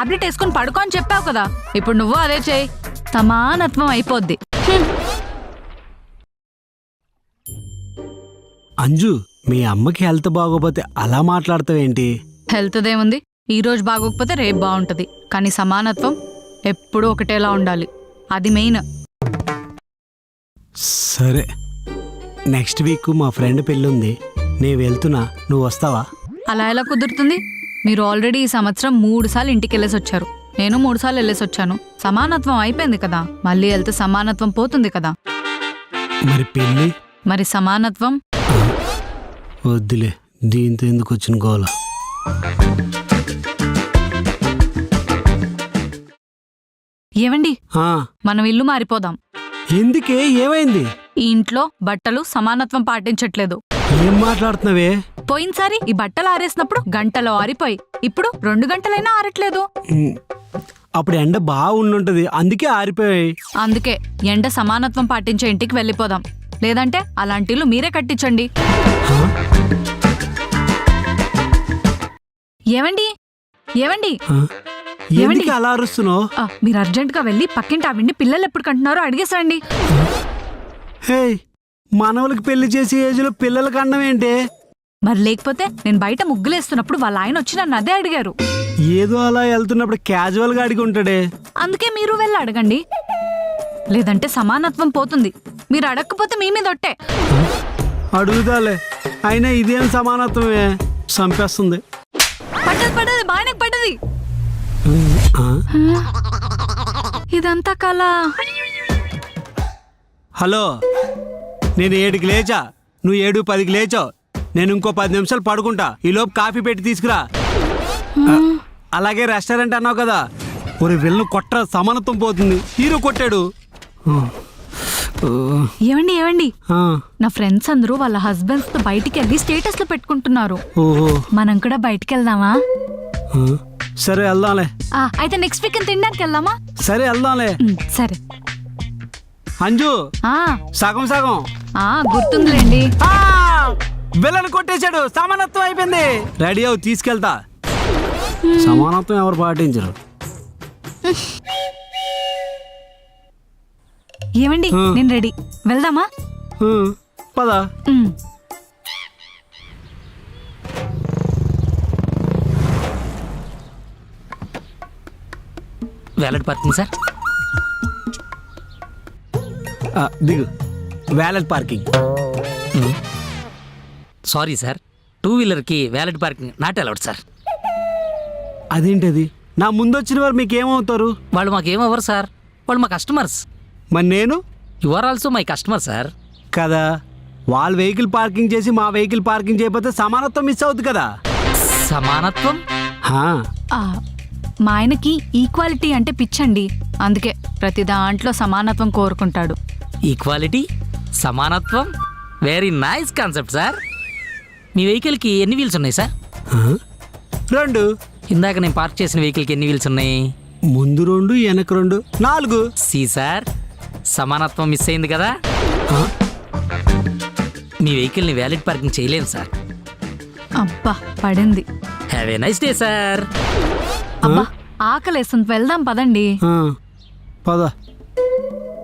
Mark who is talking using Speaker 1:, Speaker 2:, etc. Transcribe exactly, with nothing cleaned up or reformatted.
Speaker 1: Tablet వేసుకుని పడుకో అని చెప్పావు కదా, ఇప్పుడు నువ్వు అదే చేయి, సమానత్వం అయిపోద్ది.
Speaker 2: అంజు, మీ అమ్మకి హెల్త్ బాగోపోతే అలా మాట్లాడతావేంటి?
Speaker 1: హెల్త్ దేముంది, ఈ రోజు బాగోకపోతే రేపు బాగుంటది, కానీ సమానత్వం ఎప్పుడూ ఒకటేలా ఉండాలి, అది మెయిన్.
Speaker 2: సరే, నెక్స్ట్ వీక్ మా ఫ్రెండ్ పెళ్ళుంది, నేను వెళ్తున్నా, నువ్వు వస్తావా?
Speaker 1: అలా ఎలా కుదురుతుంది? మీరు ఆల్రెడీ ఈ సంవత్సరం మూడు సార్లు ఇంటికి వెళ్ళేసి వచ్చారు, నేను మూడు సార్లు వెళ్ళేసి వచ్చాను. సమానత్వం అయిపోయింది కదా, మళ్ళీ వెళ్తే సమానత్వం పోతుంది కదా.
Speaker 2: మరి పెళ్ళి?
Speaker 1: మరి సమానత్వం
Speaker 2: వద్దులే, దీంతో ఎందుకు వచ్చిన గోల.
Speaker 1: ఏవండి,
Speaker 2: ఆ,
Speaker 1: మనం ఇల్లు మారిపోదాం.
Speaker 2: ఎందుకే, ఏమైంది?
Speaker 1: ఈ ఇంట్లో బట్టలు సమానత్వం పాటించట్లేదు.
Speaker 2: ఏం మాట్లాడుతున్నావే?
Speaker 1: పోయినసారి ఈ బట్టలు ఆరేసినప్పుడు గంటలో ఆరిపోయి, ఇప్పుడు రెండు గంటలైనా ఆరట్లేదు.
Speaker 2: ఉమ్, అప్పుడు ఎండ బాగా ఉండుంటది, అందుకే ఆరిపోయాయి.
Speaker 1: అందుకే ఎండ సమానత్వం పాటించే ఇంటికి వెళ్ళిపోదాం, లేదంటే అలాంటి ఇల్లు మీరే కట్టించండి.
Speaker 2: హా?
Speaker 1: ఏవండి ఏవండి
Speaker 2: ఆ? ఎందుకు అలా అరుస్తున్నావు?
Speaker 1: ఆ, మీరు అర్జెంట్ గా వెళ్ళి పక్కింటి ఆవిడ్ని పిల్లలు ఎప్పుడు కంటున్నారో అడిగేసండి.
Speaker 2: హే, మనవలకి పెళ్లి చేసే ఏజ్ లో పిల్లలకి అన్నం ఏంటి?
Speaker 1: మరి లేకపోతే నేను బయట ముగ్గులేస్తున్నప్పుడు వాళ్ళ ఆయన వచ్చి నన్ను అదే అడిగారు.
Speaker 2: ఏదో అలా వెళ్తున్నప్పుడు క్యాజువల్ గా అడిగి ఉంటాడే.
Speaker 1: అందుకే మీరు వెళ్ళి అడగండి, లేదంటే సమానత్వం పోతుంది. మీరు అడగకపోతే మీ మీద ఒట్టే.
Speaker 2: అడుగుతాలే, అయినా ఇదేం సమానత్వమే, చంపేస్తుంది.
Speaker 1: పడ్డది పడ్డది బాగానే పడ్డది.
Speaker 2: ఆ?
Speaker 1: ఇదంతా కళ.
Speaker 2: హలో, నేను ఏడుకి లేచా, నువ్వు ఏడు పదికి లేచావు, నేను ఇంకో పది నిమిషాలు పడుకుంటా, ఈలోపు కాఫీ పెట్టి తీసుకురా. ఆ, అలాగే రెస్టారెంట్ అన్నావు కదా, ఒక వెళ్ళను కొట్ట, సమానత్వం పోతుంది. హీరో కొట్టాడు.
Speaker 1: ఏవండి ఏవండి
Speaker 2: ఆ,
Speaker 1: నా ఫ్రెండ్స్ అందరూ వాళ్ళ హస్బెండ్స్ తో బయటికి వెళ్ళి స్టేటస్ లో పెట్టుకుంటున్నారు.
Speaker 2: ఓహో,
Speaker 1: మనం కూడా బయటికి వెళ్దామా?
Speaker 2: ఆ, సరే వెళ్దాంలే.
Speaker 1: ఆ, అయితే నెక్స్ట్ వీక్ తినడానికి వెళ్దామా?
Speaker 2: సరే వెళ్దాంలే.
Speaker 1: ఉమ్, సరే.
Speaker 2: అంజు,
Speaker 1: ఆ
Speaker 2: సగం సగం.
Speaker 1: ఆ గుర్తుందిలేండి.
Speaker 2: బిల్లను కొట్టేశాడు, సమానత్వం అయిపోయింది. రెడీ అవు, తీసుకెళ్తా. సమానత్వం ఎవరు పాటించరు.
Speaker 1: ఏమండి,
Speaker 2: ఆ.
Speaker 1: నేను రెడీ, వెళ్దామా?
Speaker 2: ఆ, పద.
Speaker 1: ఉమ్.
Speaker 3: Valet parking sir.
Speaker 2: ఆ, దిగు. Valet parking.
Speaker 3: Sorry sir, two వీలర్కి valet parking not allowed sir.
Speaker 2: అదేంటది? నా ముందు వచ్చిన వారు మీకేమవుతారు?
Speaker 3: వాళ్ళు మాకేమవ్వరు సార్, వాళ్ళు మా కస్టమర్స్.
Speaker 2: మరి నేను?
Speaker 3: You are also my customer sir.
Speaker 2: కదా, వాళ్ళ వెహికల్ పార్కింగ్ చేసి మా వెహికల్ పార్కింగ్ చేయకపోతే సమానత్వం మిస్ అవుతుంది కదా.
Speaker 3: సమానత్వం?
Speaker 2: హా.
Speaker 1: ఆ, మా ఆయనకి ఈక్వాలిటీ అంటే పిచ్చండి, అందుకే ప్రతి దాంట్లో సమానత్వం కోరుకుంటాడు.
Speaker 3: ఈక్వాలిటీ, సమానత్వం, వెరీ నైస్ కాన్సెప్ట్ సార్. మీ వెహికల్కి ఎన్ని వీల్స్ ఉన్నాయి సార్?
Speaker 2: ఆ? రెండు.
Speaker 3: ఇందాక నేను పార్క్ చేసిన వెహికల్కి ఎన్ని వీల్స్ ఉన్నాయి?
Speaker 2: ముందు రెండు, వెనక రెండు, నాలుగు.
Speaker 3: సి సార్, సమానత్వం మిస్ అయింది కదా.
Speaker 2: ఆ?
Speaker 3: మీ వెహికల్ని వ్యాలిడ్ పార్కింగ్ చేయలేను సార్.
Speaker 1: అబ్బా పడింది.
Speaker 3: Have a nice day sir.
Speaker 1: అబ్బా ఆకలేస్తుంది, వెళ్దాం పదండి.
Speaker 2: ఆ, పద.